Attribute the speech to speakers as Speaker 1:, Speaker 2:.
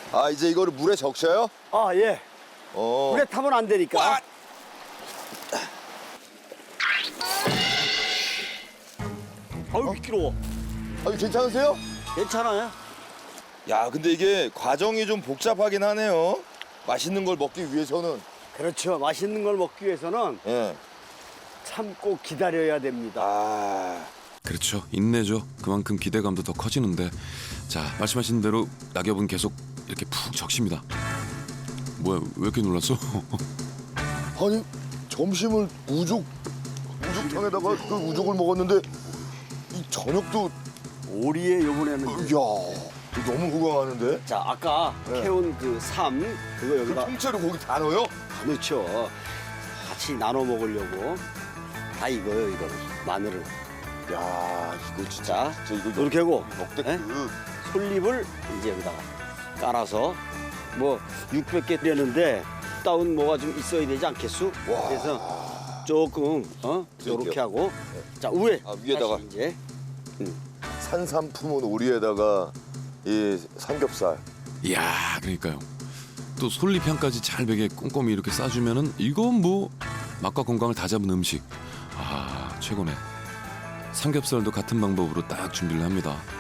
Speaker 1: 아, 이제 이거를 물에 적셔요?
Speaker 2: 아, 예. 물에 타면 안 되니까. 아유, 미끄러워.
Speaker 1: 아, 괜찮으세요?
Speaker 2: 괜찮아요?
Speaker 1: 야, 근데 이게 과정이 좀 복잡하긴 하네요. 맛있는 걸 먹기 위해서는.
Speaker 2: 그렇죠. 맛있는 걸 먹기 위해서는
Speaker 1: 예.
Speaker 2: 참고 기다려야 됩니다.
Speaker 1: 아,
Speaker 3: 그렇죠. 인내죠. 그만큼 기대감도 더 커지는데 자 말씀하신 대로 낙엽은 계속 이렇게 푹 적십니다. 뭐야 왜 이렇게 놀랐어?
Speaker 1: 아니 점심을 우족탕에다가 그 우족을 먹었는데 이 저녁도
Speaker 2: 오리에 요번에는
Speaker 1: 이야 이거 너무 호강하는데?
Speaker 2: 자, 아까
Speaker 1: 네.
Speaker 2: 캐온 그 삶 그거
Speaker 1: 그
Speaker 2: 여기다
Speaker 1: 통째로 고기 다 넣어요?
Speaker 2: 다 넣죠. 같이 나눠 먹으려고 다 이거요, 이거는 마늘을.
Speaker 1: 야 이거
Speaker 2: 자,
Speaker 1: 진짜 이거
Speaker 2: 이렇게 하고
Speaker 1: 역대급.
Speaker 2: 예? 솔잎을 이제 여기다가 깔아서 뭐 600개 되는데 다운 뭐가 좀 있어야 되지 않겠수?
Speaker 1: 와.
Speaker 2: 그래서 조금 이렇게 하고 자 위에
Speaker 1: 아, 위에다가.
Speaker 2: 다시 이제
Speaker 1: 산삼 품은 오리에다가 이 삼겹살.
Speaker 3: 이야 그러니까요. 또 솔잎향까지 잘 배게 꼼꼼히 이렇게 싸주면은 이건 뭐 맛과 건강을 다 잡은 음식. 아 최고네. 삼겹살도 같은 방법으로 딱 준비를 합니다.